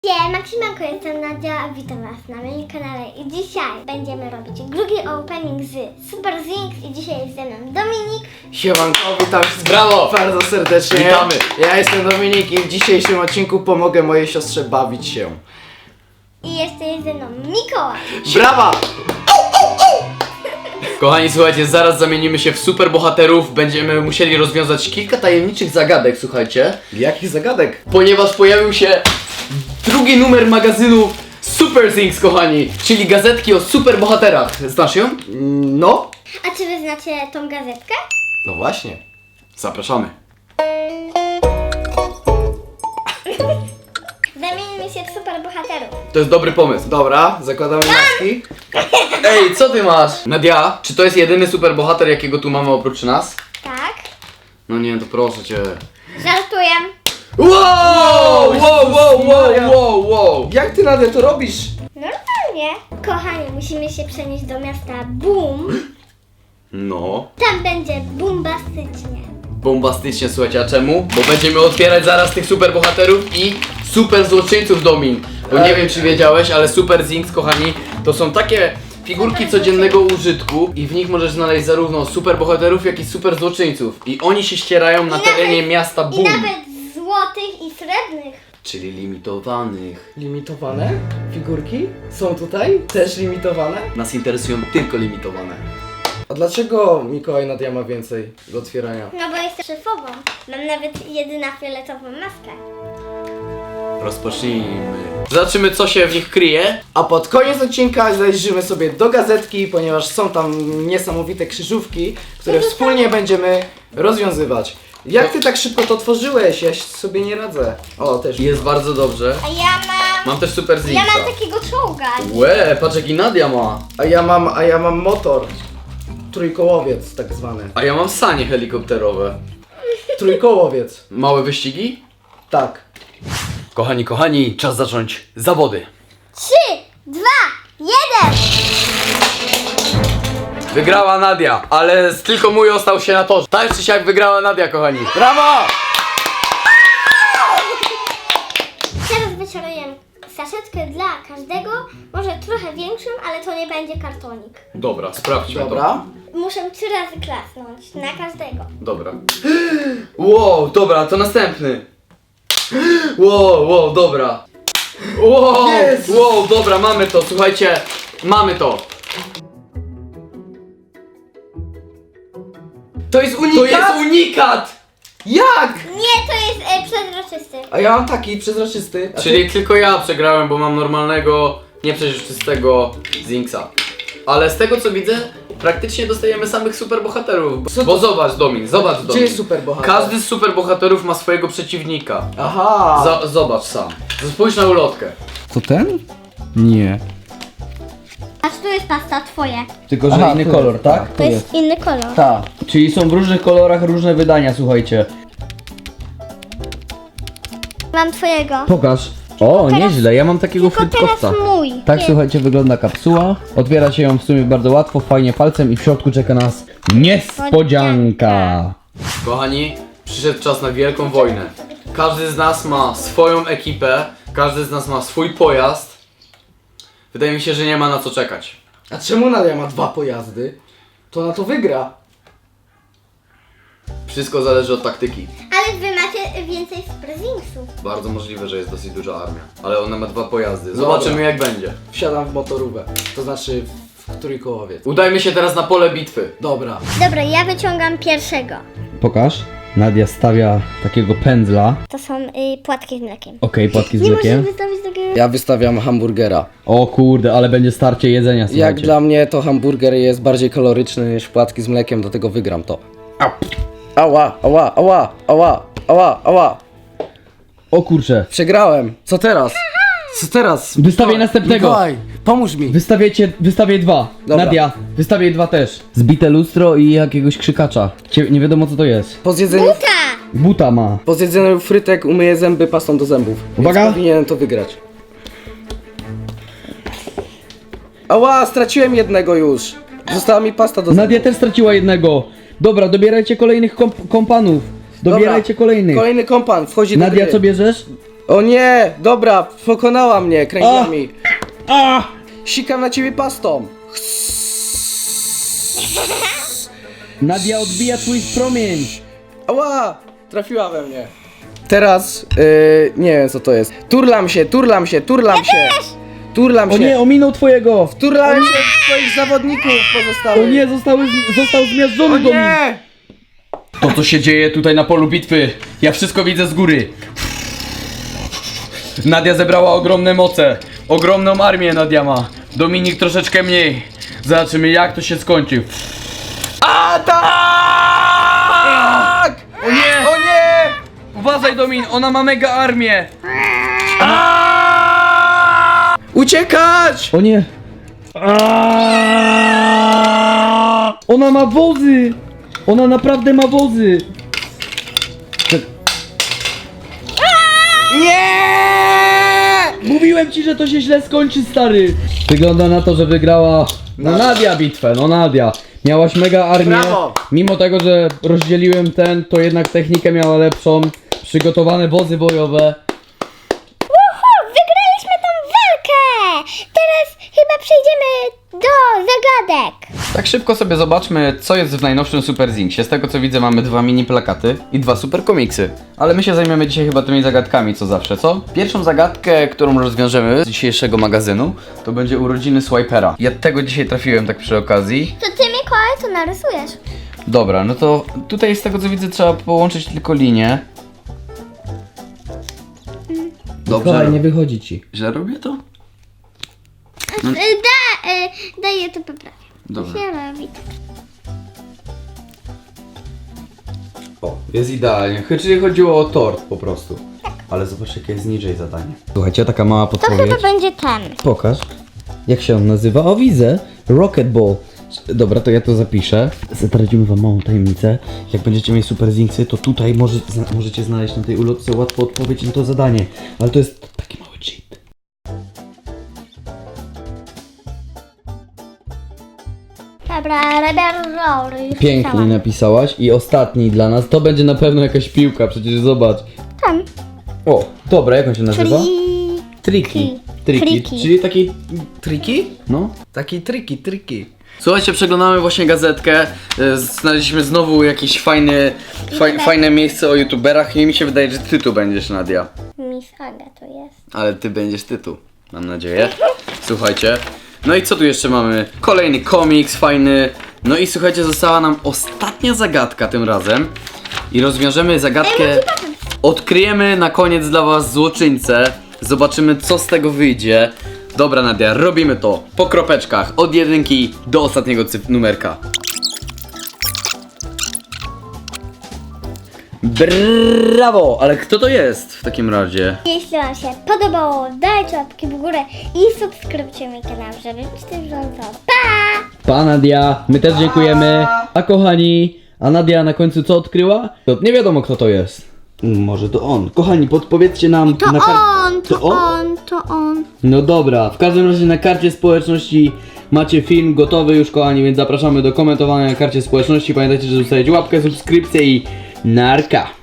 Siemanko, jestem Nadia, a witam was na moim kanale i dzisiaj będziemy robić drugi opening z Super Zinx i dzisiaj jest ze mną Dominik. Siemanko, witam Brawo! bardzo serdecznie. Witamy. Ja jestem Dominik i w dzisiejszym odcinku pomogę mojej siostrze bawić się. I jeszcze jest ze mną Mikołaj. Brawa! Kochani, słuchajcie, zaraz zamienimy się w superbohaterów. Będziemy musieli rozwiązać kilka tajemniczych zagadek, słuchajcie. Jakich zagadek? Ponieważ pojawił się drugi numer magazynu Super Things, kochani. Czyli gazetki o superbohaterach. Znasz ją? No. A czy wy znacie tą gazetkę? No właśnie. Zapraszamy. Zamienimy się w super bohaterów. To jest dobry pomysł. Dobra, zakładamy maski. Ej, co ty masz? Nadia, czy to jest jedyny superbohater, jakiego tu mamy oprócz nas? Tak. No nie, to proszę cię. Żartuję. Wow. Jak ty Nadia to robisz? Normalnie. Kochani, musimy się przenieść do miasta Boom. No. Tam będzie bombastycznie. Bombastycznie, słuchajcie, a czemu? Bo będziemy otwierać zaraz tych superbohaterów i super złoczyńców, Domin. Bo nie wiem, czy wiedziałeś, ale Super Zinx, kochani, to są takie figurki codziennego użytku i w nich możesz znaleźć zarówno superbohaterów, jak i super złoczyńców. I oni się ścierają na terenie miasta I Boom. nawet złotych i srebrnych. Czyli limitowanych. Limitowane figurki? Są tutaj? Też limitowane? Nas interesują tylko limitowane. A dlaczego Mikołaj Nadia ma więcej do otwierania? No bo jestem szefową. Mam nawet jedyna fioletową maskę. Rozpocznijmy. Zobaczymy, co się w nich kryje. A pod koniec odcinka zajrzymy sobie do gazetki, ponieważ są tam niesamowite krzyżówki, które wspólnie będziemy rozwiązywać. Jak ty tak szybko to tworzyłeś? Ja sobie nie radzę. O, też. Jest bardzo dobrze. A ja Mam też Super Ja Zinxa. mam takiego czołga. Łe, patrz jaki Nadia ma. A ja mam motor. Trójkołowiec tak zwany. A ja mam sanie helikopterowe. Trójkołowiec. Małe wyścigi? Tak. Kochani, czas zacząć zawody. 3, 2, 1. Wygrała Nadia, ale tylko mój ostał się na torze. Tak czy siak wygrała Nadia, kochani. Brawo! Teraz wyczaruję saszetkę dla każdego. Może trochę większą, ale to nie będzie kartonik. Dobra, sprawdźmy Dobra. Muszę 3 razy klasnąć na każdego. to. Dobra. Wow, dobra, to następny. Wow, dobra. Jest! Wow, dobra, mamy to, słuchajcie. Mamy to. To jest To unikat? jest unikat! Jak? Nie, to jest przezroczysty. A ja mam taki przezroczysty. A Czyli tylko ja przegrałem, bo mam normalnego, nieprzezroczystego Zinxa. Ale z tego co widzę, praktycznie dostajemy samych superbohaterów. Co Bo to- zobacz Domin, zobacz Domin. Gdzie jest superbohater? Każdy z superbohaterów ma swojego przeciwnika. Aha. Zobacz sam. Spójrz na ulotkę. To ten? Nie. Aż tu jest pasta twoje. Tylko, że Aha, inny tu kolor, jest, tak? To jest inny kolor. Tak. Czyli są w różnych kolorach różne wydania, słuchajcie. Mam twojego. Pokaż. O, teraz- nieźle, ja mam takiego Tylko frytkowca. teraz mój. Tak, Nie. słuchajcie, wygląda kapsuła. Otwiera się ją w sumie bardzo łatwo, fajnie palcem i w środku czeka nas niespodzianka. Kochani, przyszedł czas na wielką wojnę. Każdy z nas ma swoją ekipę, każdy z nas ma swój pojazd. Wydaje mi się, że nie ma na co czekać. A czemu Nadia ma 2 pojazdy? To na to wygra. Wszystko zależy od taktyki. Ale wy macie więcej Super Zinxów. Bardzo możliwe, że jest dosyć duża armia. Ale ona ma 2 pojazdy. Zobaczymy Dobra. jak będzie. Wsiadam w motorówę. To znaczy w trójkołowiec. Udajmy się teraz na pole bitwy. Dobra. Dobra, ja wyciągam pierwszego. Pokaż. Nadia stawia takiego pędzla. To są płatki z mlekiem. Okej, płatki z Nie możesz mlekiem. wystawić takiego... Ja wystawiam hamburgera. O kurde, ale będzie starcie jedzenia, słuchajcie. Jak dla mnie to hamburger jest bardziej kaloryczny niż płatki z mlekiem, dlatego wygram to. Ała. O kurczę. Przegrałem. Co teraz? Co teraz? Wystawię następnego. Mikołaj, pomóż mi. Wystawię 2. Dobra. Nadia, wystawię 2 też. Zbite lustro i jakiegoś krzykacza. Nie wiadomo co to jest. Po zjedzeniu, Buta ma. po zjedzeniu frytek umyję zęby pastą do zębów. Uwaga. Więc powinienem to wygrać. Ała, straciłem jednego już. Została mi pasta do zębów. Nadia też straciła jednego. Dobra, dobierajcie kolejnych kompanów. Dobierajcie kolejnych. Kolejny kompan wchodzi do Nadia, gry. co bierzesz? O nie, dobra, pokonała mnie kręglami. Sikam na ciebie pastą. Nadia odbija twój promień. Ała, trafiła we mnie. Teraz, nie wiem co to jest. Turlam się. Turlam O się. nie, ominął twojego. Turlam się w twoich zawodników pozostałych. O nie, został zmiażdżony O Domin. nie! To co się dzieje tutaj na polu bitwy, ja wszystko widzę z góry. Nadia zebrała ogromne moce, ogromną armię Nadia ma. Dominik troszeczkę mniej. Zobaczymy jak to się skończy. Atak! O nie! O nie! Uważaj Domin, ona ma mega armię. Uciekać! O nie. Ona ma wozy. Ona naprawdę ma wozy. Nie! Mówiłem ci, że to się źle skończy, stary. Wygląda na to, że wygrała Nadia bitwę, Nadia. Miałaś mega armię. Brawo. Mimo tego, że rozdzieliłem to jednak technikę miała lepszą. Przygotowane wozy bojowe. Wygraliśmy tą walkę! Teraz chyba przejdziemy do zagadek. Tak szybko sobie zobaczmy, co jest w najnowszym Super Zingsie. Z tego co widzę, mamy 2 mini plakaty i 2 super komiksy. Ale my się zajmiemy dzisiaj chyba tymi zagadkami, co zawsze, co? Pierwszą zagadkę, którą rozwiążemy z dzisiejszego magazynu, to będzie urodziny Swipera. Ja tego dzisiaj trafiłem tak przy okazji. To ty, Mikołaj, co narysujesz? Dobra, no to tutaj z tego co widzę, trzeba połączyć tylko linię. Dobrze. Nie wychodzi ci. Źle robię to? Daję to poprawię. Dobra. Się robi. O, jest idealnie. Czyli chodziło o tort po prostu. Ale zobacz jakie jest niżej zadanie. Słuchajcie, taka mała To podpowiedź. chyba będzie ten. Pokaż. Jak się on nazywa? O, widzę. Rocket Ball. Dobra, to ja to zapiszę. Zdradzimy wam małą tajemnicę. Jak będziecie mieć super zinksy, to tutaj możecie znaleźć na tej ulotce łatwo odpowiedź na to zadanie. Ale to jest taki mały cheat. Dobra, Rebel Roll. Już Pięknie pisałam. napisałaś. I ostatni dla nas. To będzie na pewno jakaś piłka, przecież zobacz. Tam. O, dobra, jak on się nazywa? Triki. Triki. Triki. Czyli taki... Triki? No. Taki triki. Słuchajcie, przeglądamy właśnie gazetkę. Znaleźliśmy znowu jakieś fajne miejsce o youtuberach i mi się wydaje, że ty tu będziesz, Nadia. Miss Aga to jest. Ale ty będziesz ty tu, mam nadzieję. Słuchajcie. No i co tu jeszcze mamy? Kolejny komiks fajny. No i słuchajcie, została nam ostatnia zagadka tym razem. I rozwiążemy zagadkę. Odkryjemy na koniec dla was złoczyńcę. Zobaczymy co z tego wyjdzie. Dobra Nadia, robimy to po kropeczkach. Od 1 do ostatniego numerka. Brawo! Ale kto to jest w takim razie? Jeśli wam się podobało, dajcie łapki w górę i subskrybujcie mój kanał, żeby być też bieżąco. Pa! Pa Nadia, my też dziękujemy. A kochani, a Nadia na końcu co odkryła? To nie wiadomo kto to jest. Może to on. Kochani, podpowiedzcie nam To na on. No dobra, w każdym razie na karcie społeczności macie film gotowy już kochani, więc zapraszamy do komentowania na karcie społeczności. Pamiętajcie, że zostawiać łapkę, subskrypcję i narka.